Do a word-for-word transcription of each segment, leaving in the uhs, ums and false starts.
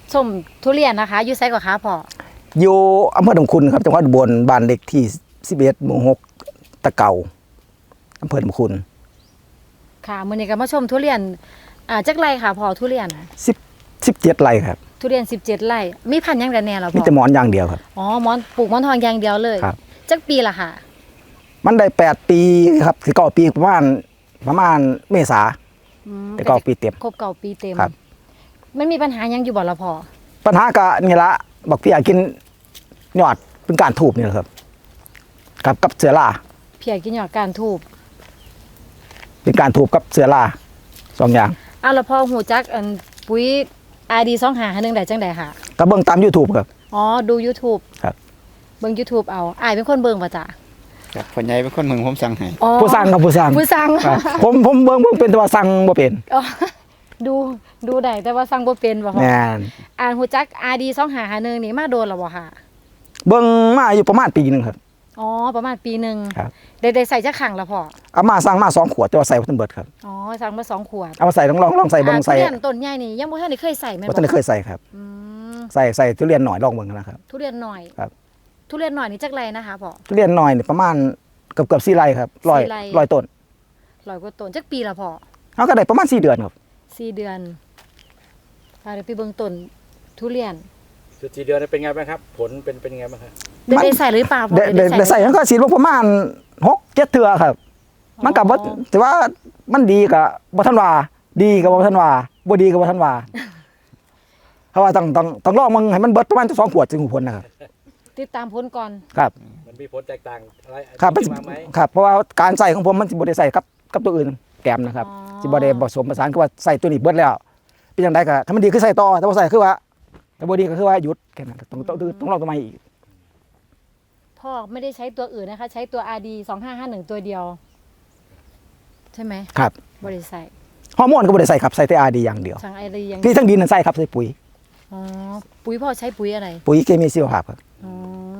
ชมทุเรียนนะคะอยู่ไซก่อนคะพ่ออยู่อำเภอหนองคุณครับจังหวัดอุบลบ้านเล็กที่สิบเอ็ดหมู่หกตะเก่าอำเภอหนองคุณค่ะมื้อนี้ก็มาชมทุเรียนอ่าจักไรค่ะพ่อทุเรียนสิบสิบเจ็ดไร่ครับทุเรียนสิบเจ็ดไร่มีพันธุ์หยังแต่แน่เหรอพ่อมีแต่หมอนอย่างเดียวครับอ๋อหมอนปลูกหมอนทองอย่างเดียวเลยครับจักปีละค่ะมันได้แปดปีครับคือเก้าปีประมาณประมาณเมษาแต่เก้าปีเต็มครบเก้าปีเต็มครับมันมีปัญหายังอยู่บ่ละพ่อปัญหาก็นี่ละบอกพี่อยากกินยอดเป็นการถูบนี่แหละครับกับกับเสือล่าเพียกินยอดการทูบเป็นการถูบกับเสือล่าสองอย่างอ้าวแล้วพ่อหูจักอันปุ๋ย อาร์ ดี สองห้าหนึ่งได้จังได๋ค่ะก็เบิ่งตาม YouTube ครับอ๋อดู YouTube ครับเบิ่ง YouTube เอาอ้ายเป็นคนเบิ่งป่ะจ๊ะครับพ่อใหญ่เป็นคนเมืองผมสั่งให้ผู้สั่งกับผู้สั่งผู้สั่งผมผมเบิ่งเบิ่งเป็นแต่ว่าสั่งบ่เป็นดูดูได้แต่ว่าสั่งบ่เป็นบ่พ่อแม่นอ่านหูจัก อาร์ ดี สองห้าหนึ่งนี่มาโดนแล้วบ่ค่ะเบิ่งมาอยู่ประมาณปีนึงครับอ๋อประมาณปีนึงครับได้ได้ใส่จักครั้งแล้วพ่อเอามาสั่งมาสองขวดแต่ว่าใส่บ่ทันเบิดครับอ๋อสั่งมาสองขวดเอามาใส่ลองลองลองใส่เบิ่งใส่ทุเรียนต้นใหญ่นี่ยังบ่ทันได้เคยใส่แม่นบ่บ่ทันได้เคยใส่ครับอืมใส่ใส่ทุเรียนหน่อยลองเบิ่งนะครับทุเรียนหน่อยครับทุเรียนหน่อยนี่จักไรนะคะพ่อทุเรียนหน่อยนี่ประมาณเกือบเกือบสี่ไร่ครับร้อยร้อยต้นร้อยกว่าต้นจักปีละพ่อเฮาก็ได้ประมาณสี่เดือนครับสี่เดือนพาเดี๋ยวไปเบิ่งต้นทุเรียนสี่เดือนเป็นไงบ้างครับผลเป็นเป็นยังไงบ้างครับได้ใส่หรือเปล่าพ่อได้ใส่มันก็ฉีดประมาณหกเจ็ดเทื่อครับมันก็บ่แต่ว่ามันดีก็บ่ทันว่าดีก็บ่ทันว่าบ่ดีก็บ่ทันว่าเพราะว่าต้องต้องต้องลองมึงให้มันเบิดประมาณสองขวดจึงหูผลนะครับติดตามผลก่อนครับมันมีผลแตกต่างอะไรครับครับเพราะว่าการใส่ของผมมันสิบ่ได้ใส่กับกับตัวอื่นแกมนะครับสิบ่ได้ผสมผสานคือว่าใส่ตัวนี้เบิดแล้วเป็นจังได๋ก็ถ้ามันดีคือใส่ต่อแต่บ่ใส่คือว่าแต่บ่ดีก็คือว่าหยุดแค่นั้นต้องต้องต้องลองตัวใหม่อีกพ่อไม่ได้ใช้ตัวอื่นนะคะใช้ตัว อาร์ ดี สองห้าห้าหนึ่งตัวเดียวใช่ไหมครับบ่ได้ใส่ฮอร์โมนก็บ่ได้ใส่ครับใส่แต่ อาร์ ดี อย่างเดียวสั่ง อาร์ ดี อย่างที่ทั้งดินนั่นใส่ครับใส่ปุ๋ยอ๋อปุ๋ยพ่อใช้ปุ๋ยอะไรปุ๋ยเคมีชีวภาพครับอ๋อ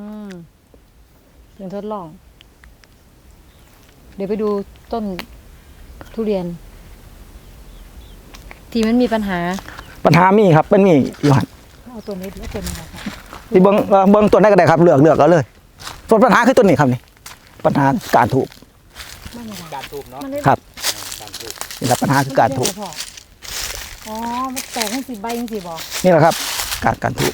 เป็นทดลองเดี๋ยวไปดูต้นทุเรียนที่มันมีปัญหาปัญหามีครับมันมีอยู่หั่นเอาตัวนี้แล้วตัวนี้ค่ะที่เบิ่งเบิ่งต้นได้ก็ได้ครับเลือกเลือกเอาเลยส่วนปัญหาคือต้นนี้ครับนี่ปัญหาการถูกการถูกเนาะครับนี่แหละปัญหาคือการถูกอ๋อมันแตกให้สิใบจังซี่บ่นี่แหละครับการการถูก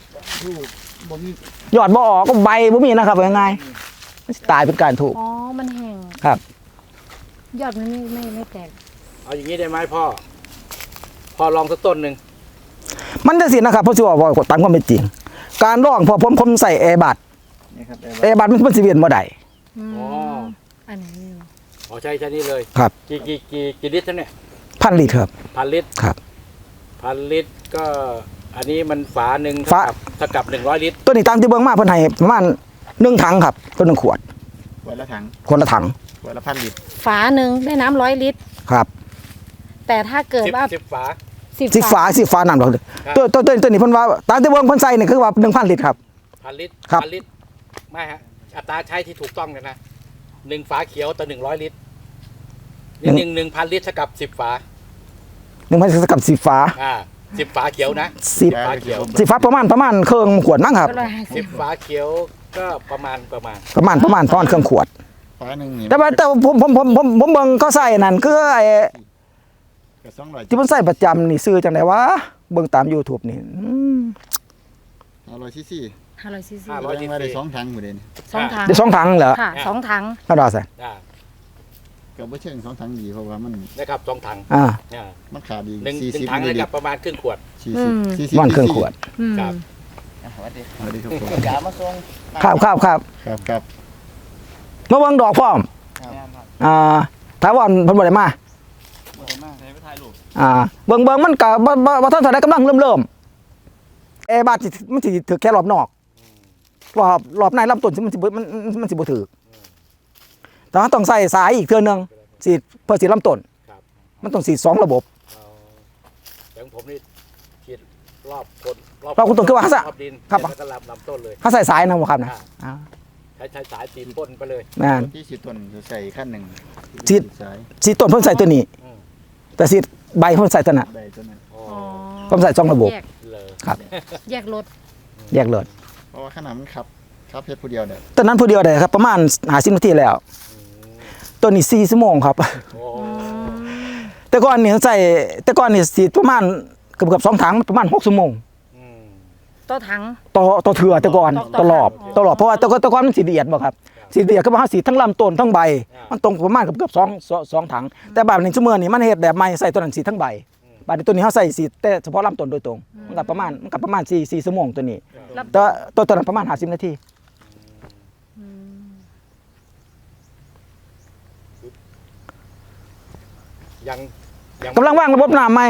ยอดบ่ออกก็ใบบ่มีนะครับง่ายๆมันตายเป็นการถูกอ๋อมันแห้งครับยอดมันไม่ไม่ไม่แตกเอาอย่างนี้ได้ไหมพ่อพ่อลองสักต้นนึงมันจะสินะครับเพราะสิว่าบ่ตามความเป็นจริงการลองพอผมผมใส่แอร์บัดแอร์บัดมันมันสิเวียนบ่ได้อ๋ออันนี้อ๋อใช่ใช่นี่เลยครับกี่กี่กี่กี่ลิตรเนี่ยพันลิตรครับพันลิตรครับพันลิตรก็อันนี้มันฝาหนึ่งฝาเท่ากับหนึ่งร้อยลิตรตัวนี้ตามที่เบิ่งมาเพิ่นให้ประมาณหนึ่งถังครับตัวหนึ่งขวดขวดละถังขวดละถังขวดละพันลิตรฝาหนึ่งได้น้ำร้อยลิตรครับแต่ถ้าเกิดว่าสิบฝาสิบฝาสิบฝาน้ำดอกตัวตัวตัวนี้เพิ่นว่าตามที่เบิ่งเพิ่นใส่นี่คือว่าหนึ่งพันลิตรครับพันลิตรพันลิตรไม่ฮะอัตราใช้ที่ถูกต้องกันนะหนึ่งฝาเขียวต่อหนึ่งร้อยลิตรนี่หนึ่งหนึ่งพันลิตรเท่ากับสิบฝาหนึ่งพันเท่ากับสิบฝาอ่าสิบฝาเขียวนะสิบฝาเขียวสิบฝาประมาณประมาณเครื่องขวดมั้งครับสิบฝาเขียวก็ประมาณประมาณประมาณประมาณประมาณเครื่องขวดฝาหนึ่งแต่ว่าแต่ผมผมผมผมผมเบิ่งเขาใส่นั่นคือไอ้ที่มันใส่ประจำนี่ซื้อจังได๋วะเบิ่งตาม YouTube นี่ห้าร้อยซีซีห้าร้อยซีซีห้าร้อยซีซีได้สองถังหมดเลยสองถังได้สองถังเหรอค่ะสองถังเท่าดอกใส่ก็บ่เชิงสองถังดีเพราะว่ามันนะครับสองถังอ่ามันขาดอีกสี่สิบถังได้กับประมาณครึ่งขวดสี่สิบสี่สิบมันครึ่งขวดครับสวัสดีสวัสดีครับผมอย่ามาส่งครับครับครับครับครับมาเบิ่งดอกพร้อมอ่าถามว่าเพิ่นบ่ได้มาบ่ได้มาให้ไปถ่ายรูปอ่าเบิ่งเบิ่งมันก็บ่บ่ทันได้กำลังเริ่มๆเอบาดมันสิถือแค่รอบนอกรอบรอบในลำต้นมันสิมันมันสิบ่ถือแต่ว่าต้องใส่สายอีกเทื่อนึงสิเพื่อสิลำต้นมันต้องสีสองระบบอย่างผมนี่ฉีดรอบคนรอบคุณต้นคือว่าฮะดินครับแล้วก็ลำลำต้นเลยถ้าใส่สายนะบ่ครับนะใช้ใช้สายตีนพ่นไปเลยนั่นที่ฉีดต้นจะใส่ขั้นหนึ่งฉีดฉีดต้นเพิ่นใส่ตัวนี้แต่ฉีดใบเพิ่นใส่ตัวนั้นใบตัวนั้นผมใส่สองระบบครับแยกรถแยกรถเพราะว่าขนาดมันขับขับเพชรผู้เดียวเนี่ยตอนนั้นผู้เดียวได้ครับประมาณหาสิบนาทีแล้วตัวนี้สี่ชั่วโมงครับโอ้แต่ก่อนนี่ใส่แต่ก่อนนี่สีประมาณเกือบเกือบสองถังประมาณหกชั่วโมงอืมต่อถังต่อต่อเถื่อแต่ก่อนต่อตลอดอ๋อตลอดเพราะว่าแต่ก่อนแต่ก่อนมันสีละเอียดบ่ครับสีละเอียดก็ว่าสีทั้งลำต้นทั้งใบ มันตรงประมาณเกือบเกือบสองสองสองถัง แต่แบบนี้ชั่วโมงนี่มันเฮ็ดแบบใหม่ใส่ตัวนั้นสีทั้งใบใบนี้ตัวนี้เขาใส่สีแต่เฉพาะลำต้นโดยตรงมันก็ประมาณมันก็ประมาณสี่สี่ชั่วโมงตัวนี้รับแต่ตัวตัวนั้นประมาณห้าสิบนาทีอืมยังยังกำลังวางระบบน้ำใหม่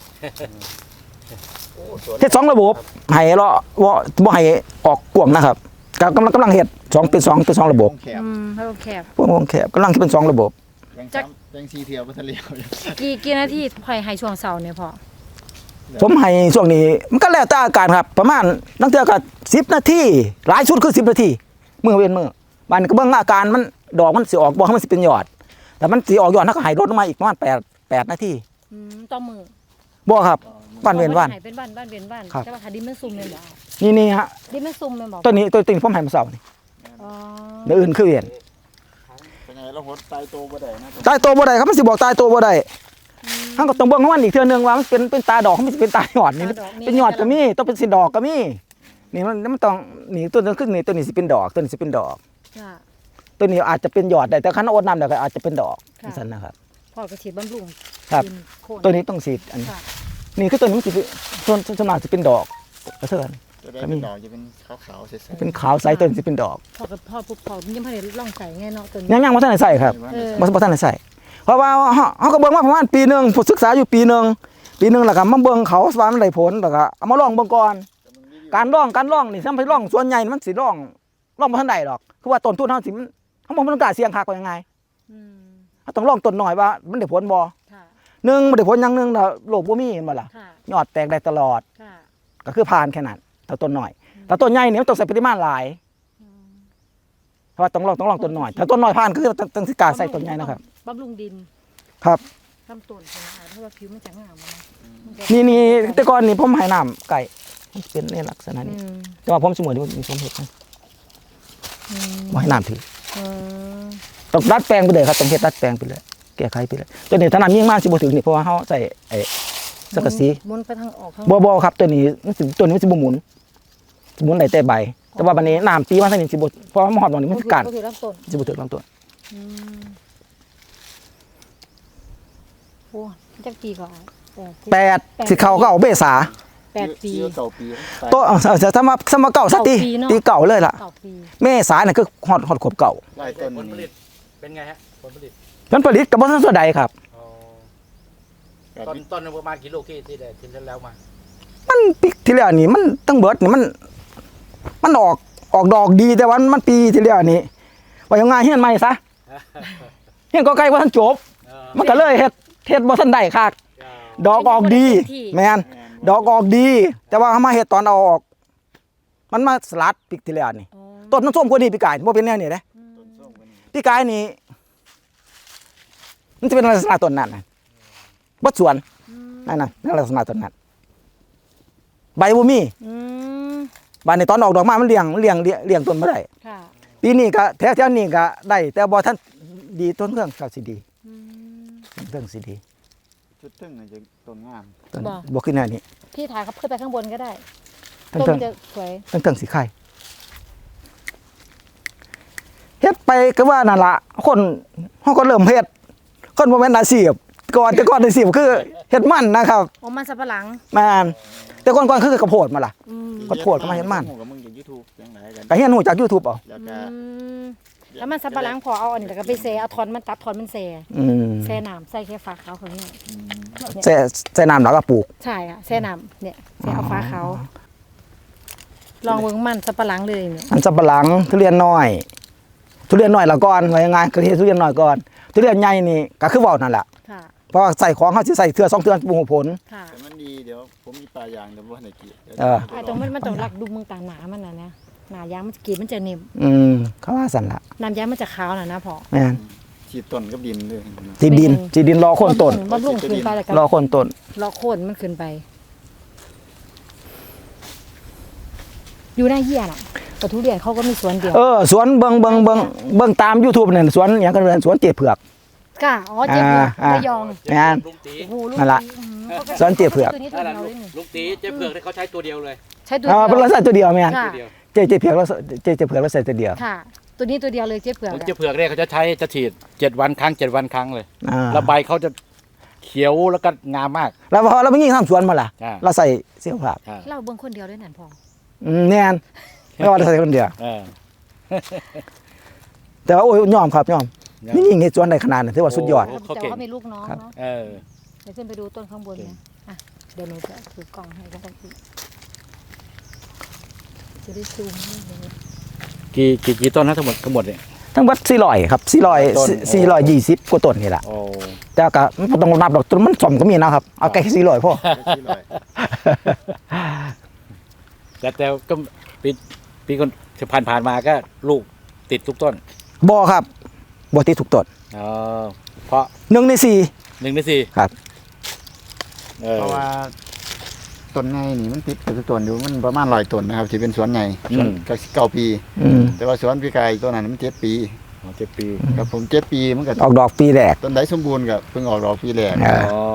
โอ้สวนเฮ็ดสองระบบให้เลาะบ่บ่ให้ออกกว้างนะครับก็กำลังกำลังเฮ็ดสองเป็นสองเป็นสองระบบวงแคบอืมให้แคบวงวงแคบกำลังเป็นสองระบบยังจักซ้ำยังซีเทียวไปทะเลอยู่กี่กี่นาทีพอยให้ช่วงเสาร์เนี่ยพอผมให้ช่วงนี้มันก็แล้วแต่อาการครับ ประมาณตั้งแต่ก็สิบนาทีหลายชุดคือสิบนาทีมื้อเว้นมื้อบ้านนี้ก็เบิ่งอาการมันดอกมันสิออกบ่ให้มันสิเป็นยอด แต่มันสิออกยอดถ้าก็ให้ลดลงมาอีกประมาณแปด แปดนาทีอืมต่อมือบ่ครับบ้านเว้นบ้านให้เป็นบ้านบ้านเวียนบ้านครับแต่ว่าถ้าดินมันซุ่มแม่นบ่นี่นี่ฮะดินมันซุ่มแม่นบ่ตัวนี้ตัวนี้ผมให้มาเช้านี่อ๋อเดี๋ยวอื่นคือเวียนเป็นไงเราหดตายโตบ่ได้นะตายตัวบ่ได้ครับมันสิบอกตายตัวบ่ได้เฮาก็ต้องเบิ่งของมันอีกเทื่อนึงว่ามันเป็นเป็นตาดอกมันสิเป็นตายอดนี่เป็นยอดก็มีต้องเป็นสิดอกก็มีนี่มันมันต้องนี่ตัวนึงคือนี่ตัวนี้สิเป็นดอกตัวนี้สิเป็นดอกค่ะตัวนี้อาจจะเป็นยอดได้แต่คันอดน้ำเดี๋ยวก็อาจจะเป็นดอกค่ะนั่นนะครับพ่อกระฉีดบำรุงครับดินโคนตัวนี้ต้องสีดอันนี้ค่ะนี่คือตัวนี้มันสิเป็นส่วนส่วนมากจะเป็นดอกกระเทือนตัวได้เป็นดอกจะเป็นขาวๆใสๆเป็นขาวใสตัวนี้สิเป็นดอกพ่อกับพ่อปุ๊บพ่อยังบ่ได้ลองใส่ไงเนาะตัวนี้ยังยังบ่ทันได้ใส่ครับเออบ่บ่ทันได้ใส่เพราะว่าเฮาเฮาก็เบิ่งมาประมาณปีหนึงผมศึกษาอยู่ปีหนึงปีหนึงแล้วก็มาเบิ่งเขาว่ามันได้ผลแล้วก็เอามาลองเบิ่งก่อนการลองการลองนี่ทำไปลองส่วนใหญ่มันสิลองลองบ่ทันได้ดอกคือว่าต้นทุนเฮาสิมันเฮาบ่มันกล้าเสี่ยงคักว่ายังไงอืมเฮาต้องลองต้นน้อยว่ามันได้ผลบ่ค่ะหนึ่งบ่ได้ผลอย่างหนึงน่ะโลกบ่มีเห็นบ่ล่ะค่ะยอดแตกได้ตลอดค่ะก็คือผ่านแค่นั้นแต่ต้นหน่อยแต่ต้นใหญ่เนี่ยมันต้องใส่ปริมาณหลายอืมเพราะว่าต้องลองต้องลองต้นหน่อยถ้าต้นหน่อยผ่านก็คือต้องต้องสิการใส่ต้นใหญ่นะครับบำรุงดินครับลำต้นใช่ไหมคะเพราะว่าผิวมันจะงามอะนะมัจะนี่นี่แต่ก่อนนี่ผมให้น้ำไก่มันเป็นในลักษณะอืนี้มแต่ว่าผมสมมติว่ามีผมเห็ดนะอืมบ่ให้น้ำถือเออต้องดัดแปลงไปเลยครับต้องเฮ็ดดัดแปลงไปเลยแก้ไขไปเลยตัวนี้ถ้าน้ำยิ่งมากสิบ่ถึงนี่เพราะว่าเฮาใส่ไอ้สังกะสีหมุนไปทางออกข้างบ่บ่ครับตัวนี้มันสิตัวนี้มันสิบ่หมุนสิหมุนได้แต่ใบ แต่ว่าบัดนี้น้ำตีมาทางนี้สิบ่เพราะว่ามันฮอดตรงนี้มันสิกัดก็คือลำต้นสิบ่ถึงลำต้นอืมโอ้จักปีก่อนแปดสิบแปดสิเข้าก็เอาเบษาแปดปีเก่าปีตายตัวจะทำมาทำมาเก่าซะตีเก่าปีเนอะตีเก่าเลยล่ะเก้าปีเมษาเนี่ยคือฮอดฮอดขวบเก่าไล่ต้นผลผลินี่ตเป็นไงฮะผลผลิตผลผลิตกับบ่ทันส่วนใดครับอ๋อกับต้นต้นหนึ่งประมาณกี่ลูกที่ที่ได้ที่แล้วมามันปีที่แล้วนี่มันตั้งเบิดนี่มัน มันออกออกดอกดีแต่ว่ามันปีที่แล้วนี่ว่ายังไงเฮียนใหม่ซะเฮียนก็ไกลบ่ทันจบเออมันก็เลยเฮ็ดเฮ็ดบ่ทันได้คักดอกออกดี แม่นดอกออกดี แต่ว่าเฮามาเฮ็ดตอนเอาออก มันมาสลัดปีที่แล้วนี่อ๋อต้นมันส้มกว่านี้ปีกายบ่เป็นแนวนี้เด้ต้นส้มกันนี่ปีกายนี่มันจะเป็นลักษณะต้นนั้นน่ะบ่สวนอืมนั่นน่ะนั่นลักษณะต้นนั้นใบบ่มีอืมบานในตอนออกดอกมามันเลี้ยงมันเลี้ยงเลี้ยงเลี้ยงต้นบ่ได้ค่ะปีนี้ก็แถวๆนี้ก็ได้ แต่บ่ทันดีต้นเครื่องก็สิดีอืมต้นเครื่องสิดีชุดตึ้งน่ะจะต้นงามต้นบ่บ่ขึ้นแนวนี้พี่ถ่ายเขาขึ้นไปข้างบนก็ได้ต้นต้นเครื่องมันจะสวยต้นเครื่องสีไข่เฮ็ดไปก็ว่านั่นล่ะคนเฮาก็เริ่มเฮ็ดคนบ่แม่นอาชีพก่อนแต่ก่อนอาชีพคือเฮ็ดมันนะครับโอ้มันสับปะหลังแม่นแต่ก่อนๆคือกระโพดมาล่ะอืมขอโทษก็มาเห็นมันหูกับมึงจาก YouTube จังไหนกันก็เฮียนฮู้จาก YouTube เอาแล้วอืก็มแล้วมันสับปะหลังพอเอาอันนี้แล้วก็ไปแซ่เอาทอนมันตัดทอนมันแซ่อืมแซ่น้ำใส่แค่ฝาขาวเขาเนี่ยอืมใส่ใส่น้ำแล้วก็ปลูกใช่ค่ะแซ่น้ำเนี่ยแซ่เอาฝาขาวลองเบิ่งมันสับปะหลังเลยเนี่ยมันสับปะหลังทุเรียนน้อย ทุเรียนน้อยละก่อนว่ายังไงคือเฮ็ดทุเรียนน้อยก่อนทุเรียนใหญ่นี่ก็คือเว้านั่นแหละค่ะเพราะว่าใส่ของเฮาสิใส่เทื่อสองเทื่อปลูกผลค่ะแต่มันดีเดี๋ยวผมมีปลายางเดี๋ยวบ่ให้กินดี๋ยวเออไอ้ตรงมันมันต้องรักดูเมืองต่างหนามันน่ะนะหนายางมันกรีดมันจะนิ่มอืมเขาว่าสั่นละน้ำยางมันจะขาวน่ะนะพอแม่นฉีดต้นกับดินด้วยจีดินจีดินรอโคนต้นบำรุงขึ้นไปแล้วก็รอโคนต้นรอโคนมันขึ้นไปอยู่หน้าเยี่ยน่ะแต่ทุเรียนเขาก็มีสวนเดียวเออสวนเบิ่งเบิ่งเบิ่งเบิ่งตาม YouTube นั่นสวนหยังกันเรียนสวนเจี๊ยเผือกค่ะอ๋อเจ็บเผือกอ่าระยองแม่นลุงตีโอ้โหลูกนั่นล่ะอืมขาก็สวนเจี๊ยเผือกตัวนี้ตัวนั่นแหละเดียวเลยนี่ลุงตีเจ๊เผือกเนี่ยเขาใช้ตัวเดียวเลยใช้ตัวอ่าเดีเป็นยวลักษณะตัวเดียวแม่นค่ะตัวเดียวเจี๊ยเจี๊ยเผือกแล้วเจี๊ยเจี๊ยเผือกแล้วใส่ตัวเดียวค่ะ ตัวนี้ตัวเดียวเลยเจ็บเผือกของอะเจ๊เผือกเนี่ยเขาจะใช้จะฉีดเจ็ดวันครั้งเจ็ดวันครั้งเลยอ่าแล้วใบเขาจะเขียวแล้วก็งามมากแล้วพอเราไปยิงทำสวนมาล่ะอ่าเราใส่เสื้อผ้าใช่เราเบิ่งคนเดียวด้วยนั่นพออืมแน่นไม่ว่าเราใส่คนเดียวเออแต่ว่าโอ้ยยอมครับยอมยอมนี่ยิงเฮ็ดสวนได้ขนาดนั้นถือว่าสุดยอดโอ้แต่เขาเก่งว่าเขามีลูกน้องครับเนาะเออเดี๋ยวขึ้นไปดูต้นข้างบนนะอ่ะเดี๋ยวหนูจะถือกล่องให้ก็ได้พี่จะได้ซูมให้เลยกี่กี่กี่ต้นนะทั้งหมดทั้งหมดเนี่ยทั้งหมดสี่ร้อยครับสี่ร้อยต้นสี่ร้อยยี่สิบกว่าต้นนี่แหละโอ้แต่ก็มันบ่ต้องนับดอกต้นมันสมก็มีนะครับเอาแค่สี่ร้อยพอที่ลอยแต่แต่ก็ปีปีคนผ่านผ่านๆมาก็ลูกติดทุกต้นบ่ครับบ่ติดทุกต้นอ๋อเพราะหนึ่งในสี่หนึ่งในสี่ครับเออเพราะว่าต้นไงนี่มันติดกับต้นอยู่มันประมาณร้อยต้นนะครับที่เป็นสวนใหญ่สวนก็เก้าปีอืมแต่ว่าสวนพี่กายตัวนั้นมันเจ็ดปีอ๋อเจ็ดปีกับผมเจ็ดปีมันก็ออกดอกปีแรกต้นใดสมบูรณ์กับเพิ่งออกดอกปีแรกอ่าอ๋อ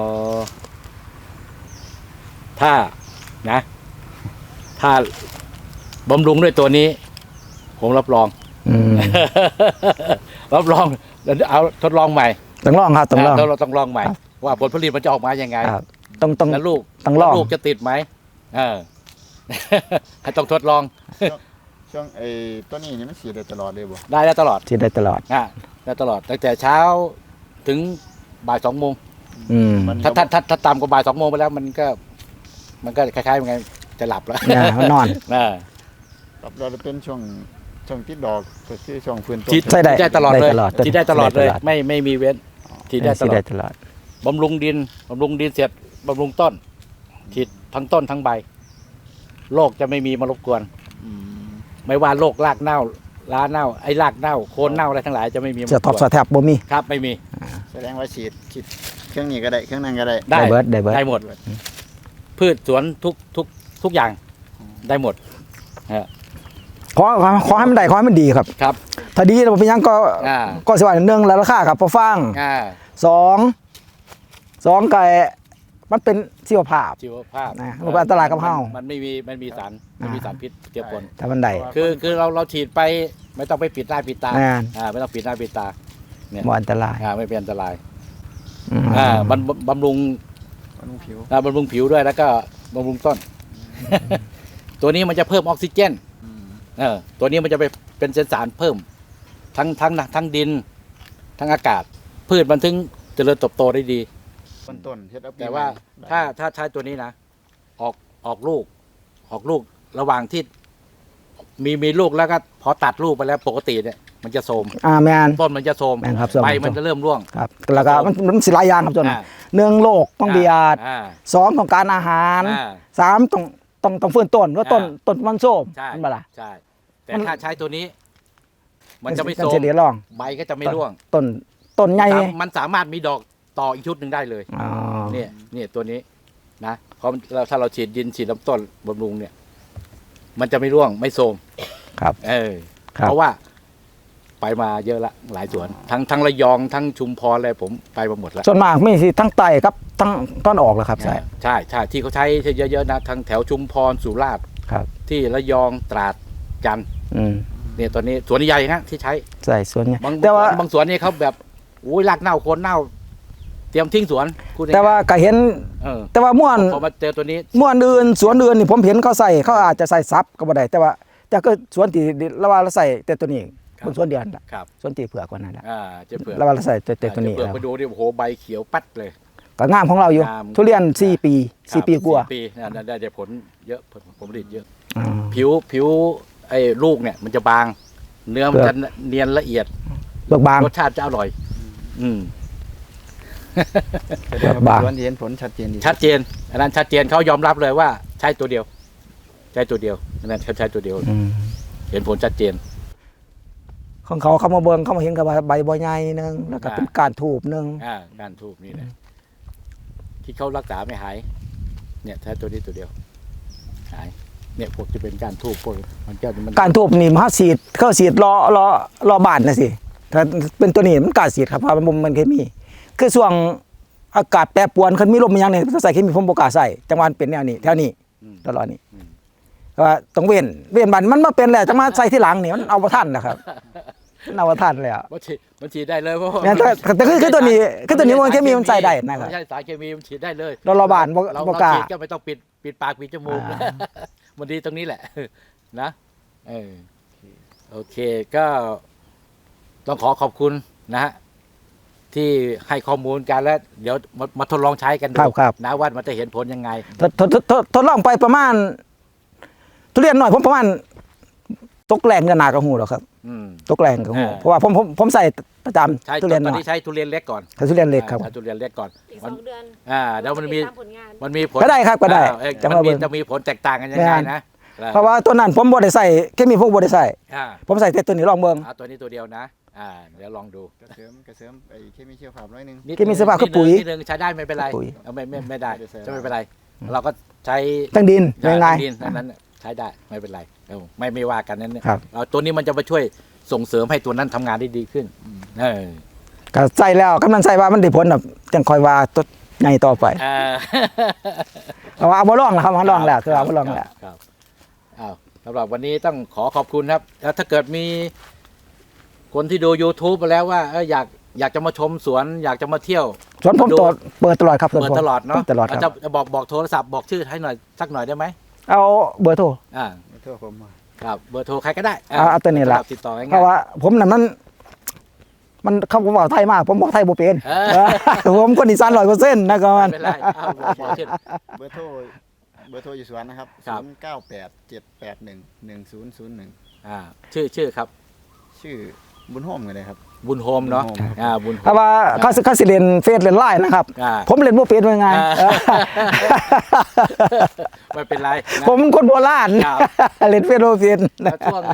ถ้านะ ถ้าบำรุงด้วยตัวนี้ ผมรับรองอืมรับรองเดี๋ยวเอาทดลองใหม่ต้องลองครับต้องลองนะเราต้องลองใหม่ครับว่าผลผลิตมันจะออกมายังไงครับต้องต้องแล้วลูกต้องลองแล้วลูกจะติดไหมเออ ให้ต้องทดลองช่วงไอ้ต้นนี้นี่มันสีดได้ตลอดเลยบ่ได้ได้ตลอดที่ได้ตลอดอ่ะได้ตลอดตั้งแต่เช้าถึงบ่ายสองโมงอืมมันถ้าถ้าถ้าถ้าต่ำกว่าบ่ายสองโมงไปแล้วมันก็ มันก็คล้ายๆยังไงจะหลับแล้วเนี่ยมันนอนเออรับเราเป็นช่วงช่วงติดดอกก็คือช่วงฟื้นต้นฉีดใช่ได้ได้ตลอดเลยได้ตลอดฉีดได้ตลอดเลยได้ตลอดไม่ไม่มีเว้นฉีดได้ตที่ลอได้ดตลอดบำรุงดินบำรุงดินเสร็จบำรุงต้นฉีดทั้งต้นทั้งใบโรคจะไม่มีมารบกวนอืมไม่ว่าโรครากเน่าล้าเน่าไอ้รากเน่าโคนเน่าอะไรทั้งหลายจะไม่มีมาเสื้อท็อปรบกเสื้วนอแทบบ่มีครับไม่มีแสดงว่าฉีดฉีดเครื่องนี้ก็ได้เครื่องนั้นก็ได้ได้ได้เบิร์ดได้เบิร์ดได้หมด พืชสวนทุกทุกทุกอย่างได้หมดขอขอให้มันได้ขอให้มันดีครับครับถ้าดีเราเป็นหยังก็อ่าก็สิว่าหนึ่งแล้วราคาครับพอฟังอ่าสองสองไก่มันเป็นชีวภาพชีวภาพนะมันก็อันตรายกับเฮามันไม่มีมันมีสารมันมีสารพิษเจือปนถ้ามันได้คือคือเราเราฉีดไปไม่ต้องไปปิดหน้าปิดตาอ่าอ่าไม่ต้องปิดหน้าปิดตาเนี่ยบ่อันตรายอ่าไม่เป็นอันตรายอืมอ่าบำบำรุงมันต้องผิวอ่าบำรุงผิวด้วยแล้วก็บำรุงต้น ตัวนี้มันจะเพิ่มออกซิเจนอืมเออตัวนี้มันจะไปเป็นสารเพิ่ม ทั้งทั้งทั้งดิน ทั้งอากาศ พืชมันถึงเจริญเติบโตได้ดีต้นต้นเฮ็ดเอปีแต่ว่าได้ถ้าถ้าใช้ตัวนี้นะ ออกออกลูก ออกลูกระหว่างที่ มีมีลูกแล้วก็พอตัดลูกไปแล้วปกติเนี่ย มันจะโทรมอ่าแมนต้นมันจะโทรมแม่นครับโทรมใบมันจะเริ่มร่วงครับแล้วก็มันมันสิหลายอย่างครับจนอ่าหนึ่งโลกต้องเบียดอ่าสองต้องการอาหารอ่าสามต้องต้องต้องฟื้นต้นว่าต้นอ่าต้นมันโซมใช่มันบ่ล่ะใช่ แต่มันถ้าใช้ตัวนี้ มันจะไม่นโทรมสิเดียวรองใบก็จะไม่ร่วงต้นต้นใหญ่สามมันสามารถมีดอกต่ออีกชุดหนึ่งได้เลยอ๋อเนี่ยเนี่ยตัวนี้นะเพราะเราถ้าเราฉีดดินฉีดลำต้นบำรุงเนี่ย มันจะไม่ร่วงไม่โทรมครับเออครับเพราะว่าไปมาเยอะละหลายสวน ทั้งทั้งระยองทั้งชุมพรอะไรผมไปมาหมดแล้วส่วนมากมีสิทั้งไตครับทั้งต้นออกแล้วครับใช่ใช่ใช่ที่เขาใช้เยอะๆนะทั้งแถวชุมพรสุราษฎร์ครับที่ระยองตราดจันทร์อืมเนี่ยตอนนี้สวนใหญ่นะที่ใช้ใช่ส่วนใหญ่บางแต่ว่าบางสวนนี่เขาแบบอุ้ยรากเน่าโคนเน่า เตรียมทิ้งสวนพูดง่ยๆแต่ว่าก็เห็นเออแต่ว่าม่วนพอมาเจอตัวนี้ม่วนอื่นสวนอื่นนี่ผมเห็นเขาใส่เขาอาจจะใส่ซับก็บ่ได้แต่ว่าแต่ก็สวนที่ละว่าเราใส่แต่ตัวนี้คนสวนเดียวนั่นล่ะครับสวนที่เผือกกว่านั้นล่ะอ่าเจะเผือกละว่าเราใส่แต่แต่ตัวนี้เจะเผือกแล้วไปดูดิโอ้โหใบเขียวปัดเลยก็งามของเราอยู่งามทุเรียนสี่ปีสี่ปีกว่าสี่ปีนะได้ได้ผลเยอะผลผลผลิตเยอะอ่าผิวผิวไอ้ลูกเนี่ย มันจะบาง เนื้อมันเปลืจะอกเนียนละเอียดเบิกบางรสชาติจะอร่อย อืมแสดงว่าบางสวนที่เห็นผลชัดเจนดีชัดเจนอันนั้นชัดเจนเขายอมรับเลยว่าใช่ตัวเดียว ใช่ตัวเดียวอันนั้นเขาใช้ตัวเดียวอืมเห็นผลชัดเจนของเขาเขามาเบิ่งเขามาเห็นกับว่าใบบ่ใหญ่หนึงแล้วก็อ่าเป็นการถูบหนึงอ่าการทูบนี่แหละที่เขารักษาไม่หาย เนี่ยใช้ตัวนี้ตัวเดียว หายเนี่ยพวกจะเป็นการทูบพวกมันก็มันการทูบนี่มันสีดเข้าสีดรอรอรอบานนะสิถ้าเป็นตัวนี้มันกล้าสีดครับเพราะมันมันเคมีคือช่วงอากาศแปรปรวนคันมีลมมีหยังเนี่ยต้องใส่เคมีผมบ่กล้าใส่จังหวะมันเป็นแนวนี้แถวนี้อืมตลอดนี้ก็ว่าต้องเว้นเว้นบันมันมาเป็นแล้วจะมาใส่ที่หลังนี่มันเอาบ่ทันนะครับมันเอาบ่ทันแล้วมันฉีดมันฉีดได้เลยเพราะว่าแม่นแต่แต่คือคือตัวนี้คือตัวนี้มันเคมีมันใส่ได้นะครับไม่ใช่สารเคมีมันฉีดได้เลยเราระบาดบ่เราบ่เรากล้าฉีดก็ไม่ต้องปิดปิดปากปิดจมูกอ่ามันดีตรงนี้แหละ นะเออโอเคก็ต้องขอขอบคุณนะฮะที่ให้ข้อมูลกันแล้ว เดี๋ยวมามาทดลองใช้กันดูครับครับนะว่ามันจะเห็นผลยังไงทดทดทดทดลองไปประมาณทุเรียนหน่อยผมประมาณตกแรงกันหนากระหูหรอกครับอืมตกแรงกระหูอ่าเพราะว่าผมผมผมใส่ประจำใช้ทุเรียนหตอน่นอยนี้ใช้ทุเรียนเล็กก่อนใส่ทุเรียนเล็กครับอ่าใช้ทุเรียนเล็กก่อนอีกสมัอน งเดือนอ่าเดี๋ยวมันมีติดตาผลงานมันมีผลก็ได้ครับก็ได้อ่าเอ้ยจะมันมามีเบิ่งจะมีผลแตกต่างกันยังไงแม่นนะเพราะว่าตัวนั้นผมบ่ได้ใส่แค่มีพวกบ่ได้ใส่อ่าผมใส่แต่ตัวนี้ลองเบิ่งเอาตัวนี้ตัวเดียวนะ อ่า เดี๋ยวลองดูกระเสริมกระเสริมไอ้เคมีเชียวภาพน้อยหนึงนิดที่มีสภาพคือปุ๋ยนิดนึงใช้ได้ไม่เป็นไรปุ๋ยเอาไม่ไม่ไม่ได้ไม่ได้ใส่จะไม่เป็นไร เราก็ใช้ตั้งดินง่ายดินนั้นนั้นใช้ได้ไม่เป็นไรเออไม่ไม่ว่ากันนั้นเนี่ยครับเอาตัวนี้มันจะมาช่วยส่งเสริมให้ตัวนั้นทำงานได้ดีขึ้นเออๆก็ใส่แล้วกำลังใส่ว่ามันได้ผลแบบจังคอยว่าตัวใหญ่ต่อไปอ่าเพราะว่าเอาบ่ลองแล้วครับเอาลองแล้วคือเอาบ่ลองแล้วครับอ้าวสำหรับวันนี้ต้องขอขอบคุณครับ แล้วถ้าเกิดมีคนที่ดู YouTube ไปแล้วว่าเอออยากอยากจะมาชมสวน อยากจะมาเที่ยวสวนผมดูตดเปิดตลอดครับสวนเปิดผมตลอดเนาะปิตลอดคจะรับจะบอกบอกโทรศัพท์บอกชื่อให้หน่อยสักหน่อยได้ไหมเอาเบอร์โทรอ่าโทษผมมาครับเบอร์โทรใครก็ได้เอาเอาตัวนี้ละติดต่อง่ายๆเพราะว่าผมน่ะมันมันเขาบอกไทยมาก ผมบอกไทยบ่เป็นเออเออผมคนอีสานร้อยเปอร์เซ็นต์นะครับมันไม่เป็นไรเอาบอกบอกชื่อเบอร์โทรเบอร์โทรอยู่สวนนะครับครับศูนย์เก้าแปดเจ็ดแปดหนึ่งหนึ่งศูนย์ศูนย์หนึ่งอ่าชื่อชื่อครับชื่อบุญโฮมกันเลยครับบุญโฮมเนาะบุญโฮมอ่าบุญโฮเพราะมว่าเขาสิเขาสิเล่นเฟซเล่นไลน์นะครับอ่าผมเล่นบ่เป็นว่าไงอ่า ไม่เป็นไรนะผมคนโบราณครับเล่นเฟซบ่เป็นแล้วช่วง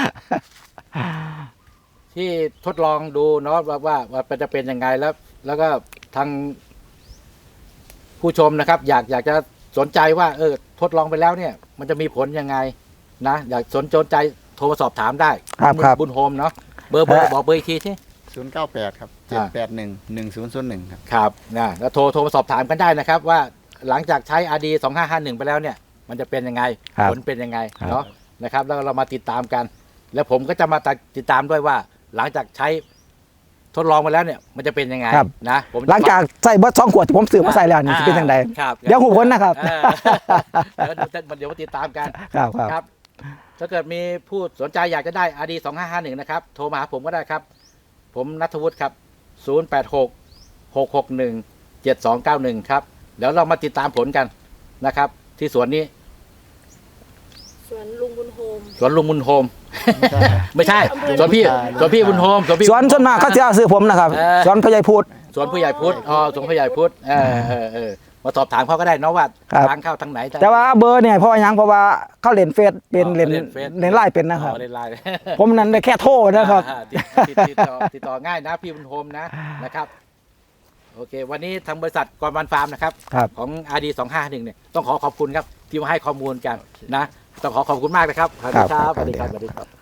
ที่ทดลองดูเนาะว่าว่าว่ามันจะเป็นยังไงแล้ว แล้วก็ทางผู้ชมนะครับ อยากอยากจะสนใจว่า เออ ทดลองไปแล้วเนี่ย มันจะมีผลยังไง นะอยากสนใจโทรมาสอบถามได้ครับครับบุญโฮมเนาะเบอร์เบอร์บอกเบอร์อีกทีที่ศูนย์เก้าแปดครับเจ็ดอ่าแปดหนึ่งหนึ่งศูนย์ศูนย์หนึ่งครับครับนะแล้วโทรโทรมาสอบถามกันได้นะครับ ว่าหลังจากใช้ อาร์ ดี สองห้าห้าหนึ่งไปแล้วเนี่ย มันจะเป็นยังไงครับผลเป็นยังไงครับเนาะนะครับ แล้วเรามาติดตามกัน แล้วผมก็จะมาติดตามด้วยว่า หลังจากใช้ทดลองมาแล้วเนี่ย มันจะเป็นยังไงครับนะผมจะหลังจากใส่เบิดสองขวดที่ผมซื้อมาใส่แล้วนี่สิเป็นจังไดครับเดี๋ยวหูผลนะครับเออเดี๋ยวเดี๋ยวเดี๋ยวมาติดตามกันครับครับครับ ถ้าเกิดมีผู้สนใจอยากจะได้ อาร์ ดี สองห้าห้าหนึ่งนะครับ โทรมาหาผมก็ได้ครับ ผมณัฐวุฒิครับ ศูนย์ แปด หก หก หก หนึ่ง เจ็ด สอง เก้า หนึ่ง ครับ เดี๋ยวเรามาติดตามผลกันนะครับ ที่สวนนี้สวนลุงบุญโฮมสวนลุงบุญโฮมใช่ครับไม่ใช่อำเภอสวนพี่สวนพี่บุญโฮมสวนพี่สวนส่วนมากเขาจะเอาซื้อผมนะครับเออสวนพญายพูดสวนผู้ใหญ่พุทธอ๋อสวนผู้ใหญ่พุทธเออเออเออมาสอบถามเขาก็ได้เนาะว่าครับทางเข้าทางไหนแต่ว่าเบอร์เนี่ยเพราะว่าหยังเพราะว่าเขาเล่นเฟซเป็นอ๋อเล่นเล่นเฟซเล่นไลน์เป็นนะครับอ๋อเล่นไลน์ผมนั้นได้แค่โทรนะครับอ่าติดติดติดต่อติดต่อง่ายนะพี่บุญโฮมนะนะครับ โอเค วันนี้ทางบริษัทกรวันฟาร์มนะครับครับของ อาร์ ดี สองห้าหนึ่งเนี่ยต้องขอขอบคุณครับ ที่มาให้ข้อมูลกันนะ ต้องขอขอบคุณมากนะครับครับสวัสดีครับสวัสดีครับ